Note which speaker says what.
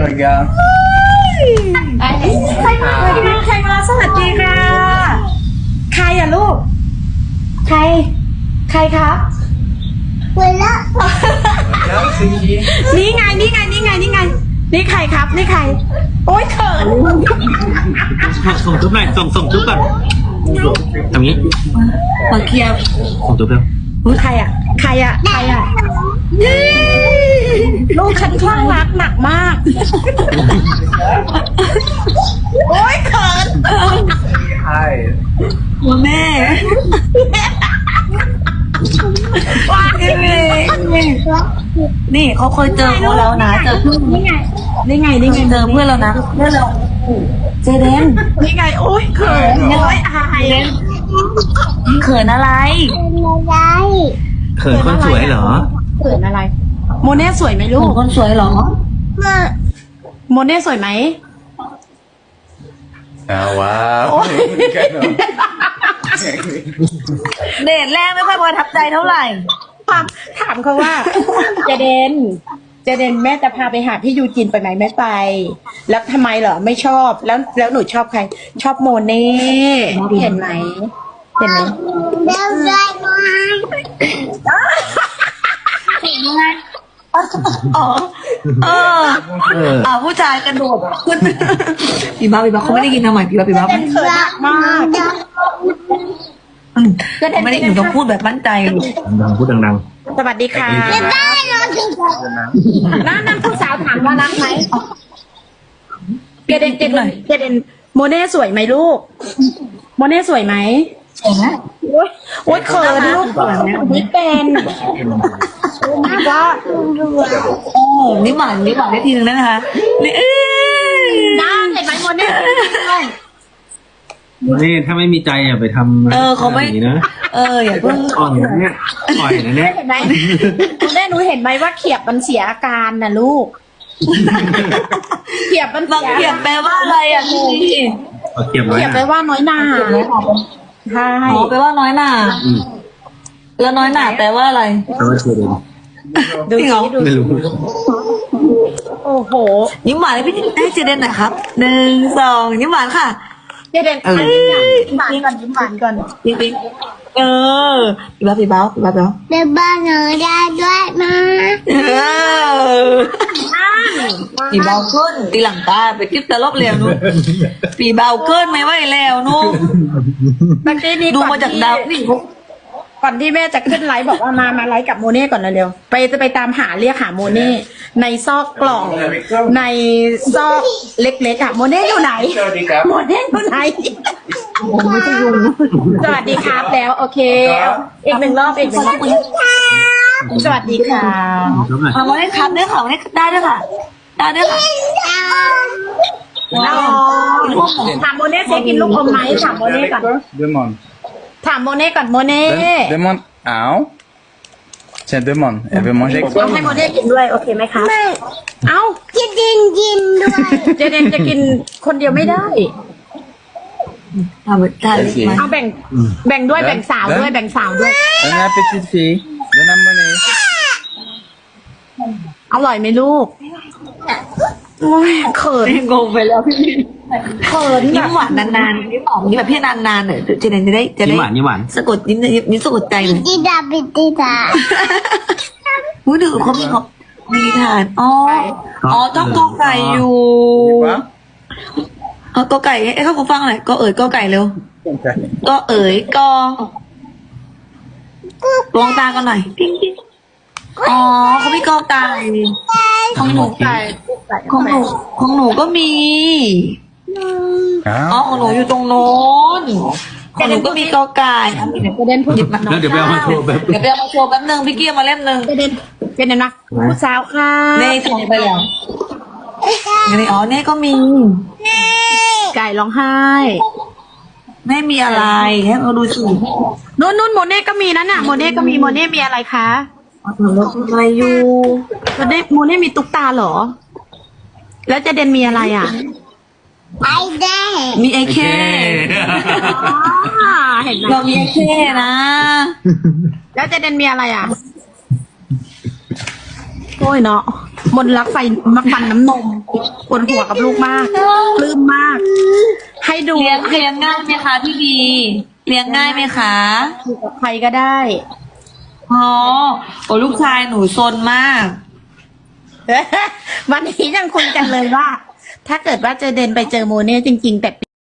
Speaker 1: keluarga.
Speaker 2: ใครมาใครมาสวัสดีค่ะ ใครอะลูก ใครครับ
Speaker 1: Halo Suci.
Speaker 2: นี่ไงนี่ใครครับนี่ใคร โอ๊ยเขิน
Speaker 3: ส่งจุ๊บหน่อยส่งจุ๊บก่อนทำงี้
Speaker 2: ขอเคลียร์
Speaker 3: ส่งจุ๊บเร็ว
Speaker 2: อุ๊ยใครอะลูกฉันคลั่งรักหนักมาก โอ๊ยเขิน
Speaker 1: Hai.
Speaker 2: หัวแม่ว้ายนี่เขาเคยเจอเขาแล้วนะเจอเพื่อนนี่ไงเจอเพื่อนแล้วนะเพื่อนเราเจเดนนี่ไงโอ๊ยเขินโอ๊ยอายเขินอะไร
Speaker 3: เขินคนสวยเหรอ
Speaker 2: เขินอะไร โมเน่สวยไหมลูกคนสวยเหรอโมเน่สวยไหม
Speaker 1: Ah, wow.
Speaker 4: เดทแรกไม่ค่อยประทับใจเท่าไหร่
Speaker 2: ถามเขาว่า เจเดนแม่จะพาไปหาพี่ยูจินไปไหมไม่ไป แล้วทำไมเหรอไม่ชอบแล้วหนูชอบใคร ชอบโมเน่เห็นไหมอ๋อผู้ชายกระโดดขึ้นปีบ้าเขาไม่ได้ยินทำไมปีบ้าเขินมากไม่ได้หนูต้องพูดแบบมั่นใจลูก
Speaker 3: ดังพูดดัง
Speaker 2: สวัสดีค่ะนั่นผู้สาวถามว่ารักไหมเจเดนโมเน่สวยไหมลูกโมเน่สวยไหมโอ๊ยเขินลูกนี่เป็นก็
Speaker 4: นี่หวานได้ทีนึงนะคะนี่
Speaker 2: น่าเห็นไหมโมเน่
Speaker 3: ๆนี่ถ้าไม่มีใจอย่าไปทำ
Speaker 4: เขาไม่
Speaker 3: แบบนี้นะ
Speaker 4: อย่าเพิ่ง
Speaker 3: อ่อนนะเนี่ยอ่อยนะเนี่ย
Speaker 2: เห็นไหมโมเน่หนูเห็นไหมว่าเขียบมันเสียอาการนะลูกเขียบมัน
Speaker 4: บางเขียบแปลว่าอะไรอ่ะพี่
Speaker 3: เอาเก็บไว้
Speaker 2: เขียบไปว่าน้อยหน้าใช่
Speaker 4: แปลว่าน้อยหน่าแล้วน้อยหน่าแปลว่าอะไร
Speaker 3: เขาว่าเชื่อเลย
Speaker 2: ดูสิดู
Speaker 3: ไม่รู้
Speaker 2: โอ้โห
Speaker 4: ยิ้มหวานให้พี่ให้เจเดนหน่อยครับ1 2ยิ้มหวานค่ะ
Speaker 2: เจเดนยิ้มหวานก่อน
Speaker 4: ปิ๊งพี่บ้า
Speaker 5: Để ba người raด้วยนะ
Speaker 4: ปีเบาขึ้นตีหลังตาไปคลิปตลบแล้วนู้นปีเบาขึ้นไม่ไหวแล้วนู้น
Speaker 2: เมื่อกี้นี้
Speaker 4: ดูมาจากดาวนี่
Speaker 2: ก่อนที่แม่จะขึ้นไลฟ์บอกว่ามาไลฟ์กับโมเน่ก่อนเร็วๆไปตามหาเรียกหาโมเน่ในซอกกล่องในซอกเล็กๆอะโมเน่อยู่ไหน
Speaker 1: Selamat
Speaker 2: โมเน่อยู่ไหนสวัสดีครับแล้วโอเคอีกหนึ่งรอบสวัสดีค่ะ
Speaker 3: จุ๊บหน่อย
Speaker 4: เอามาได้ครับได้ค่ะได้ด้วยค่ะ
Speaker 2: ถามโมเน่เซกินลูกอมไหมถามโมเน่ก่อน
Speaker 1: Demande.
Speaker 2: ถามโมเน่ก่อนโมเน่
Speaker 1: Demande. Ah. Tiens, demande. Elle veut manger avec
Speaker 2: เอา
Speaker 1: toi.
Speaker 2: ให้โมเน่กินด้วยโอเคไหมครับเอ้า
Speaker 5: จะดินยินด้วย
Speaker 2: เจเดนจะกินคนเดียวไม่ได้
Speaker 4: ทำได้ไหม
Speaker 2: เอาแบ่งด้วยแบ่งสาวด้วย
Speaker 1: Donne à la petite fille. Donne à monnaie.
Speaker 2: อร่อยไหมลูกโอ้ยเขิน
Speaker 4: งงไปแล้วพี่
Speaker 2: เขิน
Speaker 4: ยิ้มหวานนานๆยิ้มหอมยิ้มแบบพี่นานๆหน่อยเจเดนจะได้
Speaker 3: ยิ้มหวาน
Speaker 4: สะกดยิ้มสะกดใจเลย
Speaker 5: ปิดตา
Speaker 4: อุ้ยดูเขามีฐานต้องกอไก่อยู่
Speaker 1: Quoi
Speaker 4: กอไก่ให้เขาฟังหน่อยกอไก่เร็ว
Speaker 1: Ok.
Speaker 4: กลองตากันหน่อยเขามีกอไก่ของหนูของหนูก็มี
Speaker 1: Ah.
Speaker 4: ของหนูอยู่ตรงโน้นของหนูก็มีกอไก่
Speaker 2: เจเดนพูด
Speaker 4: หยิบมา
Speaker 3: แล้วเดี๋ยวไปเอามาโชว์แบบ
Speaker 4: เดี๋ยวไปเอามาโชว์แป๊บนึงพี่เกียร์มาเล่มนึง
Speaker 2: เจเดนนะผู้สาวค่ะ
Speaker 4: เน่ส่งไปแล้วเน่ก็มี
Speaker 2: ไก่ร้องไห้
Speaker 4: ไม่มีอะไรให้เราดูสิ
Speaker 2: นู่นโมเน่ก็มีนั่นน่ะโมเน่ก็มีโมเน่มีอะไรคะ
Speaker 4: อะไรอยู่
Speaker 2: โมเน่มีตุ๊กตาเหรอ แล้วเจเดนมีอะไรอ่ะ
Speaker 5: ไอเด้
Speaker 4: มีไอเค
Speaker 2: เห็นไหม
Speaker 4: เรามีไอเคนะ
Speaker 2: แล้วเจเดนมีอะไรอ่ะโอ้ยเนาะมนรักไฟมักฟันน้ำนมปวดหัวกับลูกมากปลื้มมาก ให้ดู
Speaker 4: เลี้ยงง่ายไหมคะพี่บีเลี้ยงง่ายไหมคะ
Speaker 2: อยู่กับใครก็ได้
Speaker 4: อ๋อโอ้ลูกชายหนูซนมาก
Speaker 2: วันนี้ยังคุยกันเลยว่า ถ้าเกิดว่าเจเดนไปเจอโมเน่จริงๆแต่